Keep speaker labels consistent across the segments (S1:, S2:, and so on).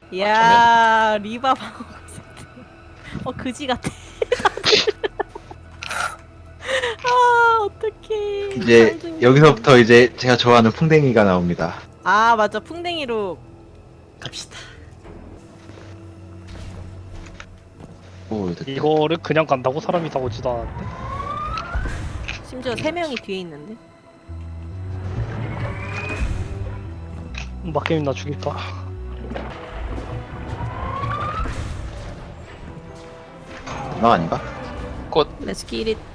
S1: 야 리바 방어 세트. 그지 같아. 아 어떡해.
S2: 이제 여기서부터 이제 제가 좋아하는 풍뎅이가 나옵니다.
S1: 아 맞아 풍뎅이로.
S3: 갑시다.
S2: 오, 됐다.
S4: 이거를 그냥 간다고 사람이 다 오지도 않았는데.
S1: 심지어 3명이 뒤에 있는데.
S4: 막게임 나 죽일까?
S2: 나 아닌가?
S1: Let's get it.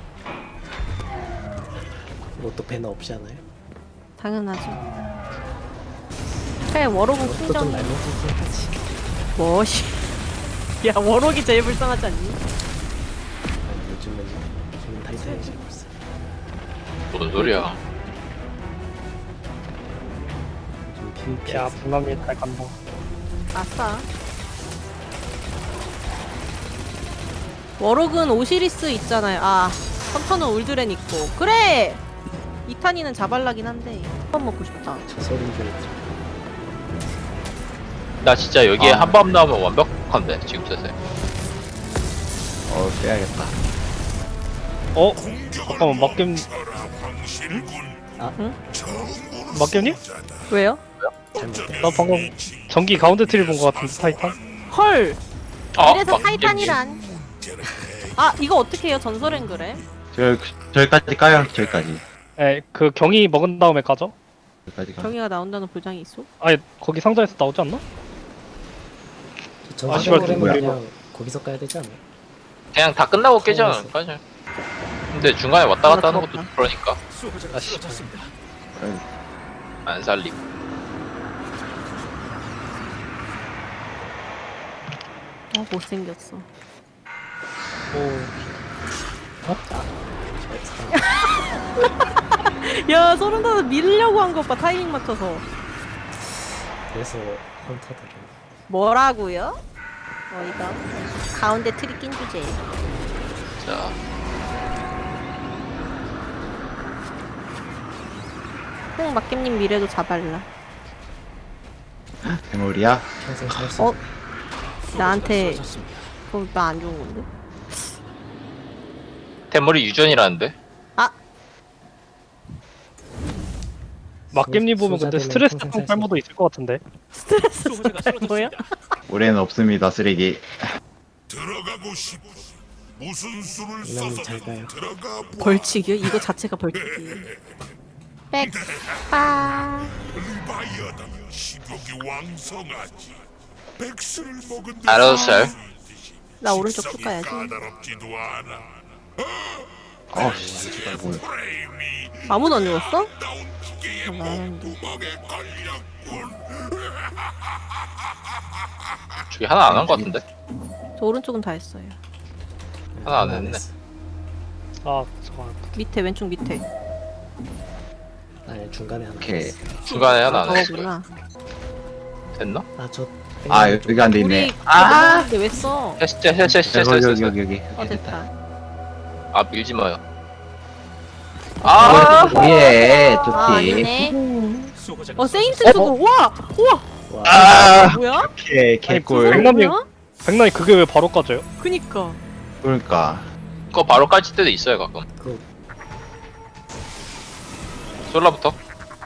S3: 이것도 배너 없이 하나요?
S1: 당연하죠. 그래 워록은
S3: 이것도 좀
S1: 풍정.
S3: 날먹긴 하지.
S1: 뭐시. 야 워록이 제일 불쌍하지 않니?
S3: 아니, 요즘은 타이탄이 제일 벌써.
S5: 뭔 소리야?
S3: 좀 PVP.
S4: 야 분남이 잘 간다.
S1: 아싸. 워록은 오시리스 있잖아요. 아 헌터는 울드렌 있고. 그래. 이탄이는 자발라긴 한데 한번 먹고 싶다.
S3: 저 소리인 줄 알았죠.
S5: 나 진짜 여기에
S2: 아.
S5: 한 번 나오면 완벽한데 지금 세세.
S2: 빼야겠다.
S4: 잠깐만 막겜.
S1: 응?
S4: 막겜님?
S1: 왜요?
S3: 잘못된.
S4: 나 방금 전기 가운데 틀을 본 것 같은데 타이탄?
S1: 헐. 이래서
S5: 막
S1: 타이탄이란. 아 이거 어떻게 해요? 전설엔 그래?
S2: 저기까지 까요. 저기까지.
S4: 에, 그 경이 먹은 다음에 가죠?
S2: 저기까지 가.
S1: 경이가 나온다는 보장이 있어?
S4: 아니 거기 상자에서 나오지 않나?
S3: 저
S4: 아, 씨발,
S3: 전설은
S4: 뭐야.
S3: 그냥 거기서 까야 되지 않아요?
S5: 그냥 다 끝나고 깨지 않을까? 근데 중간에 왔다 갔다 하는 것도 그러니까
S4: 아씨.
S5: 안 살리고.
S1: 못생겼어. 야 소름돋아 밀려고 한 것 봐. 타이밍 맞춰서.
S3: 그래서 헌터들은
S1: 뭐라고요? 이거 가운데 틀이 낀 주제.
S5: 자,
S1: 꼭 막겜님 미래도 자발라.
S2: 대물이야?
S3: 평생 살수
S1: 어? 나한테 그럼 나 안 좋은 건데?
S5: 대머리 유전이라는데?
S4: 막겜님 보면 근데
S3: 소자되면
S4: 스트레스
S3: 평생
S4: 성
S3: 살
S4: 탈모도 있을 것 같은데.
S1: 스트레스 뭐야?
S2: 올해는 없습니다. 쓰레기.
S6: 들어가고 싶어. 무슨 수를
S3: 이남이
S6: 써서
S3: 잘 가요.
S6: 들어가 보.
S1: 벌칙이요? 이거 자체가 벌칙이에요. 백빠.
S6: 리바이어다. 식욕이 왕성하지. 백수를 먹은 듯이
S5: 알았어요.
S1: 나 오른쪽 쭉
S6: 식성이
S1: 가야지.
S6: 까다롭지도 않아.
S2: 씨. 뭘.
S6: 프레임이
S1: 아무도 안 죽었어?
S6: 나온 기계의
S1: 나는데.
S6: 구멍에 걸렸군.
S5: 저기 하나 안 한 것 같은데?
S1: 저 오른쪽은 다 했어요.
S5: 하나 안 했네.
S4: 아 잠깐.
S1: 밑에 왼쪽 밑에.
S3: 아니 중간에 하나.
S2: 오케이.
S5: 중간에 하나 안 했어.
S1: 저거구나.
S5: 됐나?
S3: 아저
S2: 아, 여기 안 돼
S1: 우리
S2: 있네.
S1: 근데 왜 써?
S5: 했어.
S2: 여기.
S1: 됐다.
S5: 아 밀지 마요. 아,
S2: 예,
S1: 아
S2: 좋지.
S1: 아니네. 세인트 수고. 와! 우와!
S3: 와.
S2: 아,
S1: 뭐야?
S2: 오케이, 개꿀.
S4: 백남이
S1: 뭐야?
S4: 백남이 그게 왜 바로 까져요?
S1: 그니까.
S2: 그러니까.
S5: 그거 바로 깔칠 때도 있어요 가끔.
S3: 그
S5: 솔라부터.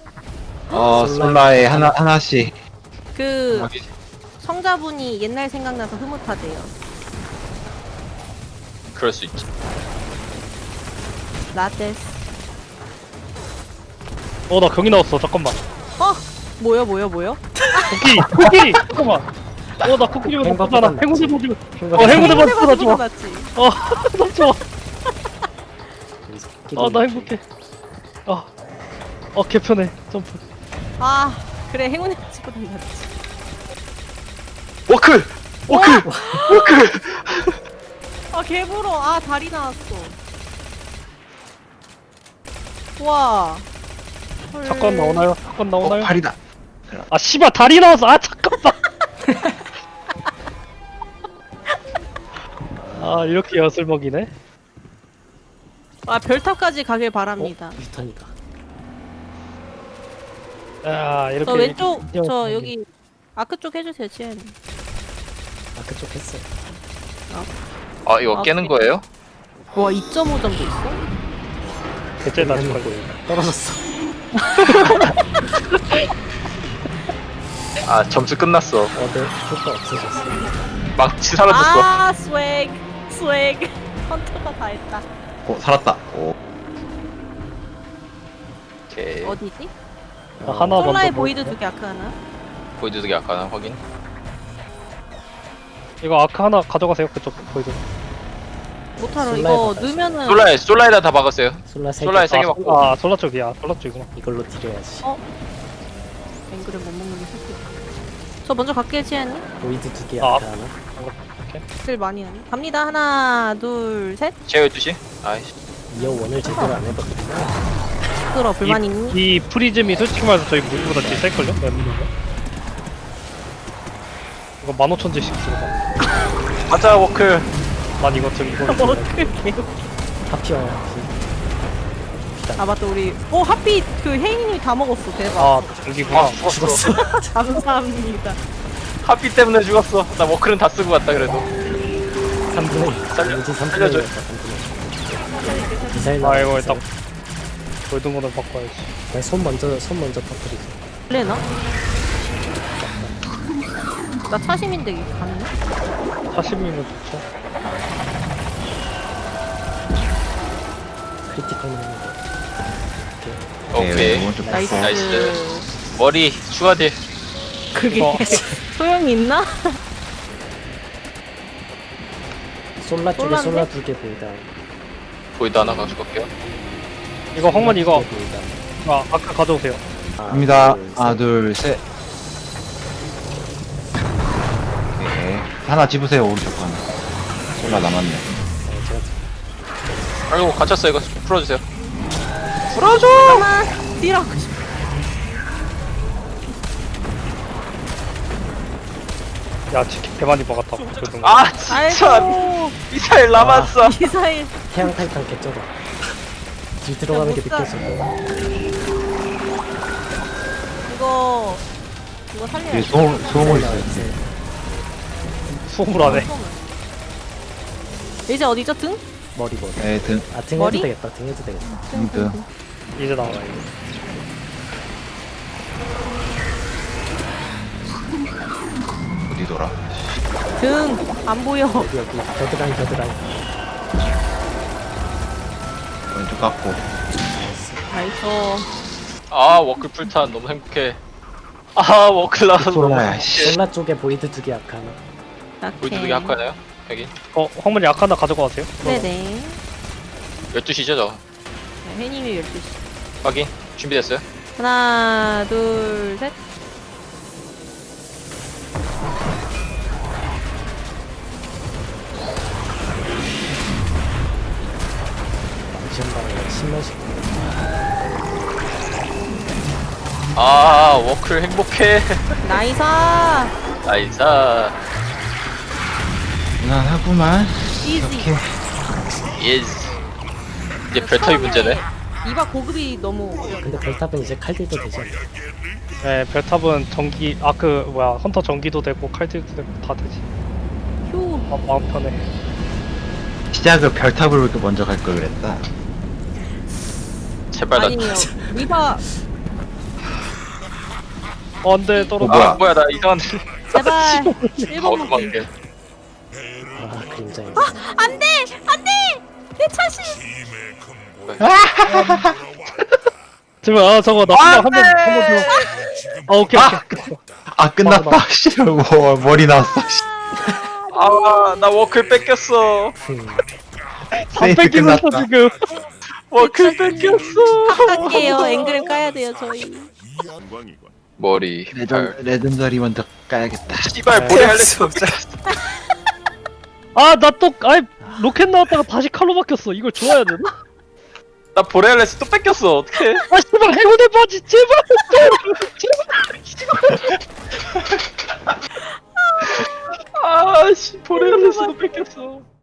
S2: 솔라에 하나씩.
S1: 그
S5: 확인.
S1: 성자분이 옛날 생각나서 흐뭇하대요.
S5: 그럴 수 있지.
S1: 라데스.
S4: 나 경이 나왔어. 잠깐만.
S1: 뭐야?
S4: 쿠키. 잠깐만. 나 쿠키 좀 먹었잖아.
S3: 행복보다
S4: 행운의 도주.
S3: 행운의
S4: 행운의
S1: 해보다
S4: 도주가 좋아.
S1: 낫지.
S4: 너무 좋아.
S3: 거기서
S4: 나 행복해. 개편해. 점프.
S1: 아 그래 행운의 집보다 낫지.
S5: 워크.
S1: 아 개불어. 아 다리 나왔어. 와. 헐.
S4: 사건 나오나요? 사건 나오나요?
S2: 팔이다.
S4: 아 씨발 다리 나왔어. 아 잠깐만. 아 이렇게 엿을 먹이네.
S1: 아 별탑까지 가길 바랍니다.
S3: 유탄이다.
S4: 야 이렇게.
S1: 저 왼쪽
S4: 이렇게
S1: 저 여기 아크 쪽 해주세요 지혜님.
S3: 아 그쪽 했어.
S5: 아 이거
S1: 아,
S5: 깨는 거예요?
S1: 와 2.5점도 있어?
S4: 대체 나
S3: 한
S4: 걸
S3: 거 떨어졌어.
S5: 아 점수 끝났어.
S3: 어드 효과 없어졌어.
S5: 망치 사라졌어.
S1: 아 스웩 스웩 헌터가 다 했다.
S2: 살았다. 오.
S5: 오케이.
S1: 어디지?
S4: 나 하나 먼저
S1: 솔라의
S4: 뭐-
S1: 보이드 2개 아크 하나?
S5: 보이드 두개 아까나 확인.
S4: 이거 아크 하나 가져가세요. 그쪽 보이드.
S1: 못하러
S3: 솔라에
S1: 이거
S3: 바꿔야지.
S1: 넣으면은
S5: 솔라에다 다 박았어요.
S3: 솔라 세
S5: 솔라에
S3: 개.
S5: 세 개 맞고.
S4: 아 솔라 쪽이야. 솔라 쪽이구나.
S3: 이걸로 딜해야지.
S1: 앵글을 못 먹는 게 슬프다. 저 먼저 갈게요 지혜님.
S3: 보이드 2개
S4: 아.
S3: 아까 하나.
S1: 들 많이 하네. 갑니다. 하나 둘 셋.
S5: 제어 12시. 아이씨.
S3: 이어 원을 제대로 안 해봤구나.
S1: 끌어 불만 있니?
S4: 이 프리즘이 솔직히 말해서 저희 무기보다 제일 셀걸요? 맵무기가? 이거 15,000제씩 들어가.
S5: 가자 워크.
S4: 난 이거 들 이거
S3: 하피어.
S1: 아 맞다 우리 하피 그 혜인님이 다 먹었어 대박.
S4: 아 저기구나.
S5: 아 죽었어.
S1: 감사합니다.
S5: 하피 때문에 죽었어. 나 워크는 다 쓰고 갔다 그래도.
S3: 3분의
S5: 살려-
S3: 3분의
S5: 살려줘.
S3: 3분의 미사일
S4: 아 이거
S3: 나와,
S4: 일단
S3: 미사일.
S4: 골든 거는 바꿔야지.
S3: 그냥 손 먼저 터뜨리자.
S1: 레나? 나 차심인데 이게 가능해?
S4: 40이면 좋죠.
S3: 크리티컬 먹는 거.
S5: 오케이.
S2: 오른쪽
S1: 나이스.
S2: 갔어.
S5: 나이스. 머리 추가딜.
S1: 그게
S4: 이거
S1: 소용이 있나?
S3: 솔라 쪽에
S1: 솔라인데?
S3: 솔라 2개 보이다.
S5: 보이드 하나 가져갈게요.
S4: 이거 황만 이거
S3: 두 개 보이다.
S4: 아 아크 가져오세요.
S2: 갑니다.
S3: 둘, 셋.
S2: 하나, 둘, 셋. 오케이. 하나 집으세요, 오른쪽 하나. 솔라 남았네.
S3: 제가
S5: 아이고 갇혔어 이거 풀어주세요.
S1: 잠깐만 딜하고 싶어.
S4: 야 치킨 개 많이 먹었다. 골든 거.
S5: 아 진짜
S1: 아이고
S5: 미사일 남았어.
S1: 미사일.
S3: 태양 타이탄 개쩌다. 딜 들어가는 게
S1: 못 사.
S3: 느껴져.
S1: 이거 살려야
S2: 뒤에
S1: 돼.
S2: 소음을 있어요.
S4: 수업을 안 해.
S1: 이제 어디죠 등?
S3: 머리.
S2: 네, 등,
S3: 아 등
S1: 머리?
S3: 해도 되겠다. 등 해도 되겠다.
S2: 등.
S4: 이제 나와 이거.
S2: 어디 돌아?
S1: 등 안 보여.
S3: 여기 겨드랑이.
S2: 왼쪽 깎고.
S1: 나이스.
S5: 아 워크 풀탄 너무 행복해. 아 워크 나와서 너무
S2: 솔라야,
S5: 행복해.
S2: 씨.
S3: 솔라 쪽에 보이드 2개 아까 하나.
S5: 보이드 두개 갖고 하나요? 여기
S4: 황만이 아크 하나 가져가세요.
S1: 네네.
S5: 12시죠 저.
S1: 네, 혜님이 12시.
S5: 확인. 준비됐어요?
S1: 하나 둘 셋.
S3: 망치한다고 10만씩.
S5: 아 워크 행복해.
S1: 나이사.
S5: 나이사.
S2: 무난하구만.
S1: 이지.
S2: 이렇게.
S5: 예스. 이제 별타입 문제네.
S1: 이바 고급이 너무 어려워.
S3: 근데 별탑은 이제 칼딜도 되지 않나?
S4: 네 별탑은 전기 아크 뭐야 헌터 전기도 되고 칼질도 되고 다 되지.
S1: 휴.
S4: 아 마음 편해.
S2: 시작을 별탑으로 먼저 갈 걸 그랬다.
S5: 제발 나.
S1: 아니요. 이바
S4: 안돼 떨어져.
S2: 뭐야?
S5: 아 뭐야 나 이상한.
S1: 제발
S5: 아
S1: 1번 먹기.
S5: 도망게.
S3: 아 그림자에.
S1: 안돼 안돼 내 차심.
S6: 힘의 근본
S4: 제발 아 저거 나 한번 줘. 아 오케이 오케이.
S2: 아, 끝났다. 씨, 머리 나왔어. 씨.
S5: 아나 워크 뺏겼어.
S4: 다
S2: 세이프
S4: 뺏기고 있어
S2: 끝났다.
S4: 지금.
S5: 워크 뺏겼어.
S1: 할게요. 앵글을 까야 돼요 저희.
S6: 영광이군.
S5: 머리. 발.
S2: 레전더리 먼저 까야겠다.
S5: 씨발 보내 할래 수 없잖아.
S4: 아 나 또 아이 로켓 나왔다가 다시 칼로 바뀌었어. 이걸 좋아야 되나?
S5: 나 보레알레스 또 뺏겼어. 어떡해?
S4: 아 씨발 행운의 바지 제발 제발.
S5: 아씨 보레알레스도 뺏겼어.